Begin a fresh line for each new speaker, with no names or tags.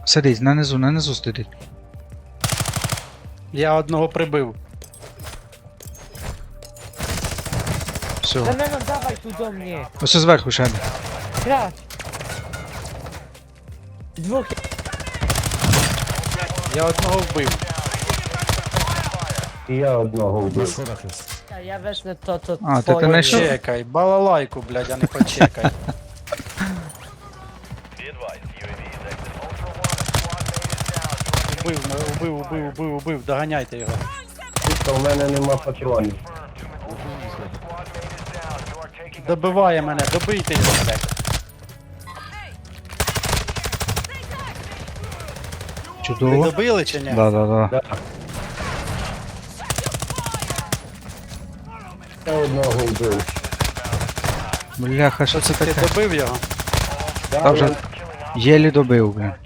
Сидить, на низу сидить.
Я одного прибив.
Все.
Да не, ну давай туда мне.
Ось зверху ще один.
Крас. Двух.
Я одного вбив.
І я одного
На
вбив.
сходах є.
Я весь не то.
А, ти
твоє.
не йшов?
Почекай, балалайку, блядь, а не почекай. Убив, доганяйте його.
Тільки в мене нема патронів.
Добиває мене, добийте його, блядь. Ви
Чудово.
добили чи ні?
Да.
Да. Я одного вбив.
Бляха, що це
Ти
таке?
добив його?
Да,
Та вже єлі добив, бля.